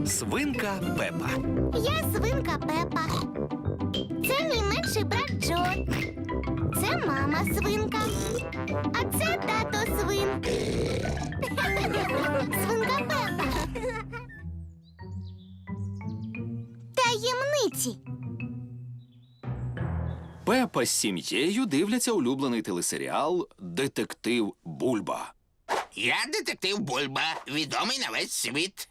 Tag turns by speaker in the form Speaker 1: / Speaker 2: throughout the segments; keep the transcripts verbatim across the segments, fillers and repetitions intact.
Speaker 1: Свинка Пепа.
Speaker 2: Я свинка Пепа. Це мій менший брат Джо. Це мама свинка. А це тато свин. Свинка Пепа. Таємниці.
Speaker 1: Пепа з сім'єю дивляться улюблений телесеріал «Детектив Бульба».
Speaker 3: Я детектив Бульба, відомий на весь світ.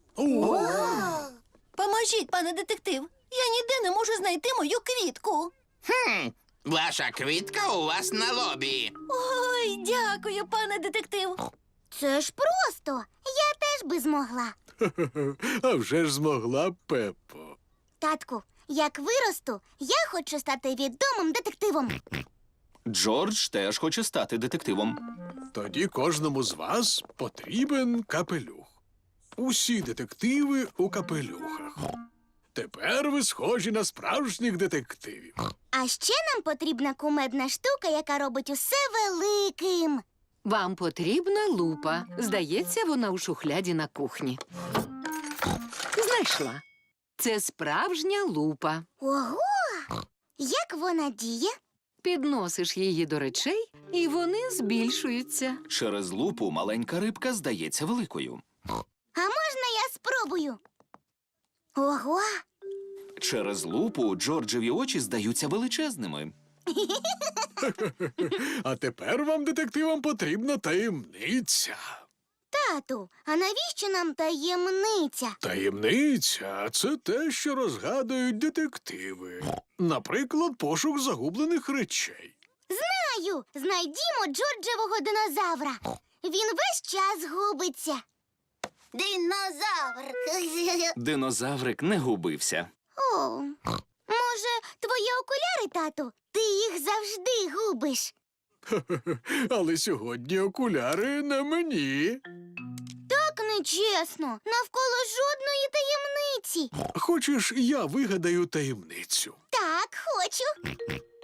Speaker 4: Поможіть, пане детектив. Я ніде не можу знайти мою квітку.
Speaker 3: Хм, ваша квітка у вас на лобі.
Speaker 4: Ой, дякую, пане детектив.
Speaker 2: Це ж просто. Я теж би змогла.
Speaker 5: А вже ж змогла б, Пеппо.
Speaker 2: Татку, як виросту, я хочу стати відомим детективом.
Speaker 1: Джордж теж хоче стати детективом.
Speaker 5: Тоді кожному з вас потрібен капелюх. Усі детективи у капелюхах. Тепер ви схожі на справжніх детективів.
Speaker 2: А ще нам потрібна кумедна штука, яка робить усе великим.
Speaker 6: Вам потрібна лупа. Здається, вона у шухляді на кухні. Знайшла. Це справжня лупа.
Speaker 2: Ого! Як вона діє?
Speaker 6: Підносиш її до речей, і вони збільшуються.
Speaker 1: Через лупу маленька рибка здається великою.
Speaker 2: А можна я спробую? Ого!
Speaker 1: Через лупу Джорджеві очі здаються величезними.
Speaker 5: А тепер вам, детективам, потрібна таємниця.
Speaker 2: Тату, а навіщо нам таємниця?
Speaker 5: Таємниця – це те, що розгадують детективи. Наприклад, пошук загублених речей.
Speaker 2: Знаю! Знайдімо Джорджевого динозавра. Він весь час губиться. Динозавр!
Speaker 1: Динозаврик не губився.
Speaker 2: О, може, твої окуляри, тату? Ти їх завжди губиш.
Speaker 5: Але сьогодні окуляри на мені.
Speaker 2: Так нечесно. Навколо жодної таємниці.
Speaker 5: Хочеш, я вигадаю таємницю?
Speaker 2: Так, хочу.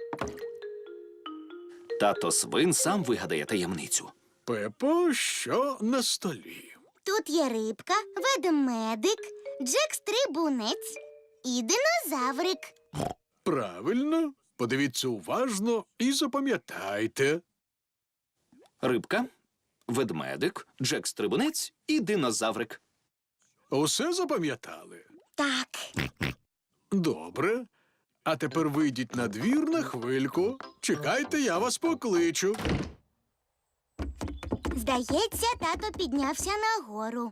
Speaker 1: Тато свин сам вигадає таємницю.
Speaker 5: Пепо, що на столі?
Speaker 2: Тут є рибка, ведмедик, Джек-стрибунець і динозаврик.
Speaker 5: Правильно. Подивіться уважно і запам'ятайте.
Speaker 1: Рибка, ведмедик, Джек-стрибунець і динозаврик.
Speaker 5: Усе запам'ятали?
Speaker 2: Так.
Speaker 5: Добре. А тепер вийдіть на двір на хвильку. Чекайте, я вас покличу.
Speaker 2: Здається, тато піднявся нагору.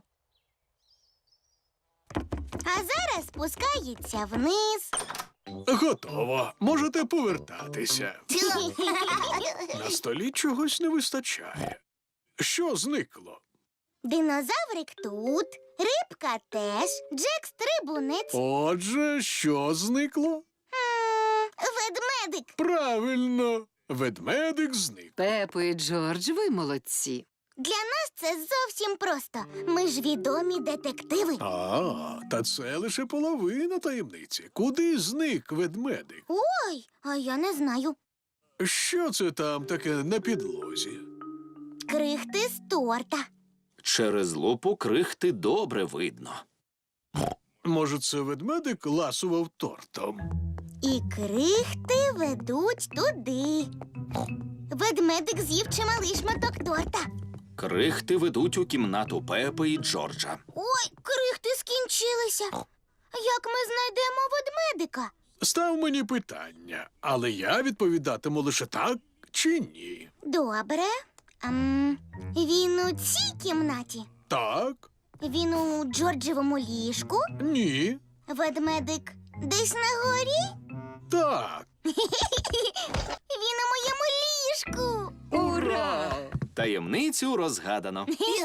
Speaker 2: А зараз спускається вниз.
Speaker 5: Готово. Можете повертатися. На столі чогось не вистачає. Що зникло?
Speaker 2: Динозаврик тут, рибка теж, Джек-стрибунець.
Speaker 5: Отже, що зникло?
Speaker 2: М, Ведмедик.
Speaker 5: Правильно. Ведмедик зник.
Speaker 6: Пепо і Джордж, ви молодці.
Speaker 2: Для нас це зовсім просто. Ми ж відомі детективи.
Speaker 5: А, та це лише половина таємниці. Куди зник ведмедик?
Speaker 2: Ой, а я не знаю.
Speaker 5: Що це там таке на підлозі?
Speaker 2: Крихти з торта.
Speaker 1: Через лупу крихти добре видно.
Speaker 5: Може, це ведмедик ласував тортом?
Speaker 2: І крихти ведуть туди. Ведмедик з'їв чималий шматок торта.
Speaker 1: Крихти ведуть у кімнату Пепи і Джорджа.
Speaker 2: Ой, крихти скінчилися. Як ми знайдемо ведмедика?
Speaker 5: Став мені питання, але я відповідатиму лише так чи ні.
Speaker 2: Добре. Ем, він у цій кімнаті?
Speaker 5: Так,
Speaker 2: Він у Джорджевому ліжку?
Speaker 5: ні,
Speaker 2: Ведмедик десь на горі?
Speaker 5: так.
Speaker 2: Він у моєму ліжку.
Speaker 6: Ура!
Speaker 1: Таємницю розгадано.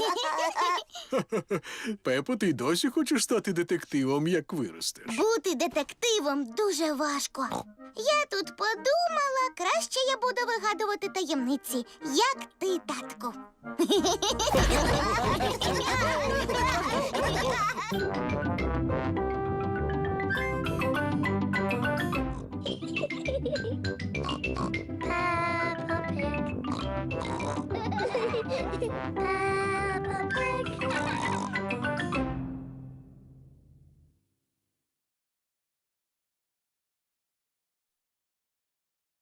Speaker 5: Пепо, ти й досі хочеш стати детективом, як виростеш?
Speaker 2: Бути детективом дуже важко. Я тут подумала, краще я буду вигадувати таємниці, як ти, татку.